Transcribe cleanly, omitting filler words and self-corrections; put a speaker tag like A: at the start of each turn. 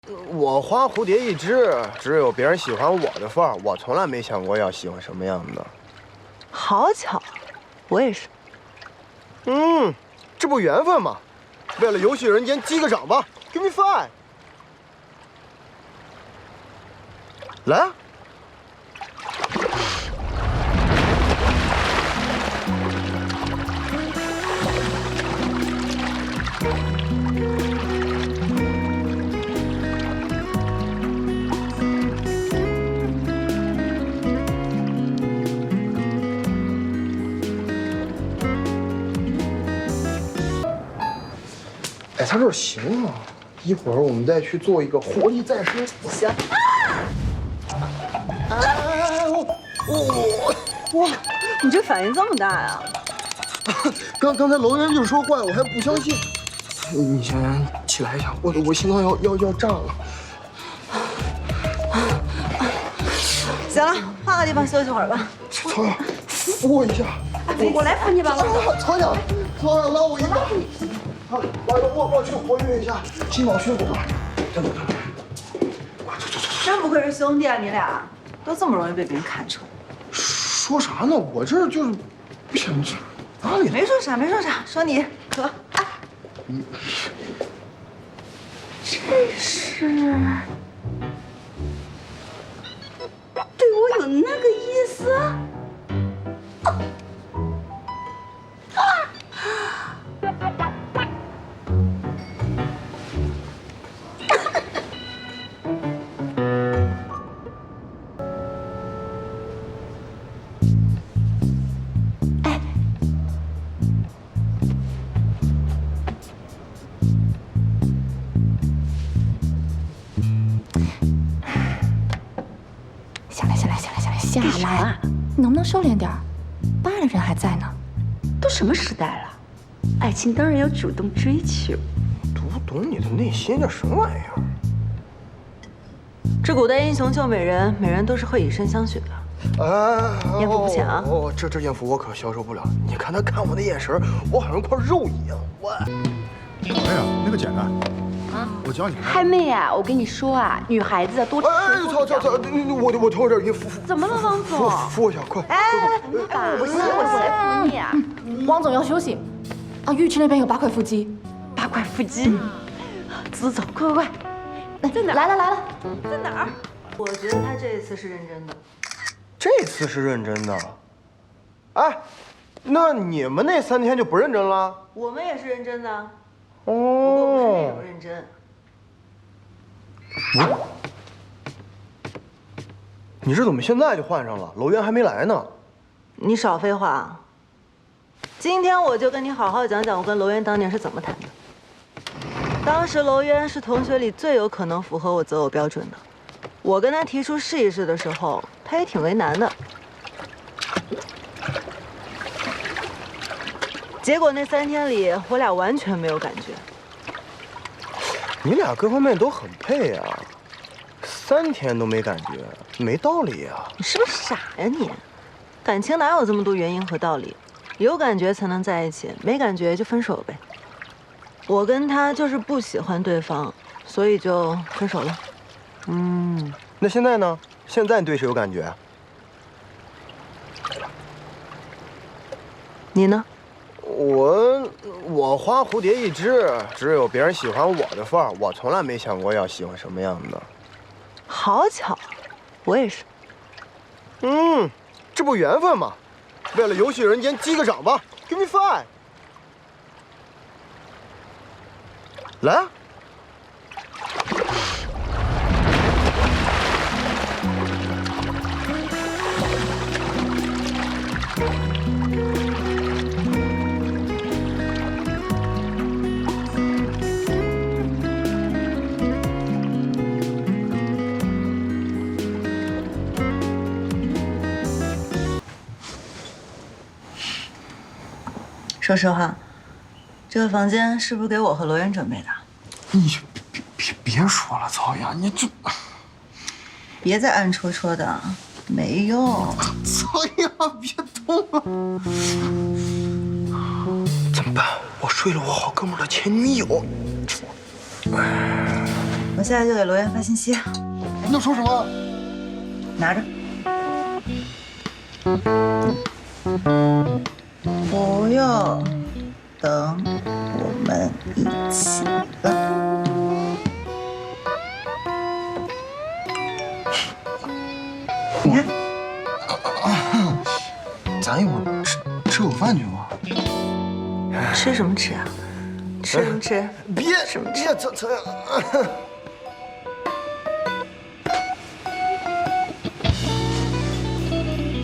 A: 我花蝴蝶一只，只有别人喜欢我的份儿。我从来没想过要喜欢什么样的。
B: 好巧，我也是。
A: 这不缘分吗？为了游戏人间击个掌吧 ，Give me five。来啊！哎，他这行啊，一会儿我们再去做一个活力再生。
B: 行。哇，你这反应这么大呀？
A: 刚才楼员就说坏，我还不相信。你先起来一下，我心脏要炸了。
B: 行了，换个地方休息会儿吧。
A: 曹阳，扶我一下。
C: 我来扶你吧。
A: 曹阳，拉我一把。我去活跃一下心脑血管。等，
B: 真不愧是兄弟啊，你俩都这么容易被别人看出来。
A: 说啥呢？我这就是不想去哪里？
B: 没说啥，说你渴。
C: 这是对我有那个意思？
D: 下来，你能不能收敛点儿？爸的人还在呢。
C: 都什么时代了，爱情当然要主动追求。
A: 读懂你的内心，这什么玩意儿？
B: 这古代英雄救美人，美人都是会以身相许的。艳福不浅啊！
A: 这艳福我可消受不了。你看他看我的眼神，我好像块肉一样。
E: 哎呀，那个简单。我教你。
C: 嗨妹啊，我跟你说啊，女孩子多吃。
A: 操！我头有点晕，扶。
C: 怎么了，王总？
A: 扶我一下，快！
C: 我不行，我来扶你啊。
D: 王总要休息。啊，浴池那边有8块腹肌。
C: 8块腹肌。走，快！
D: 在哪？来了。
C: 在哪儿？
B: 我觉得他这一次是认真的。
A: 这次是认真的。哎，那你们那3天就不认真了？
B: 我们也是认真的。
A: 不
B: 过不是那种认真。
A: 你这怎么现在就换上了？楼员还没来呢。
B: 你少废话。今天我就跟你好好讲讲我跟楼渊当年是怎么谈的。当时楼渊是同学里最有可能符合我择偶标准的。我跟他提出试一试的时候，他也挺为难的。结果那3天里，我俩完全没有感觉。
A: 你俩各方面都很配啊，3天都没感觉，没道理呀！
B: 你是不是傻呀你？感情哪有这么多原因和道理？有感觉才能在一起，没感觉就分手呗。我跟他就是不喜欢对方，所以就分手了。
A: 那现在呢？现在你对谁有感觉？
B: 你呢？
A: 我花蝴蝶一只，只有别人喜欢我的份儿。我从来没想过要喜欢什么样的。
B: 好巧，我也是。
A: 这不缘分吗？为了游戏人间击个掌吧 ，Give me five。来啊！
B: 说实话，这个房间是不是给我和罗源准备的？
A: 你别说了，曹雅，你这
B: 别再暗戳戳的，没用。
A: 曹雅，别动了！怎么办？我睡了我好哥们的前女友。
B: 我我现在就给罗源发信息，
A: 你要说什么？
B: 拿着。不用，等我们一起了。你看，
A: 咱一会儿吃口饭去吧。
B: 吃什么吃啊？吃什么吃？
A: 别，
B: 什么吃？
A: 别，咱。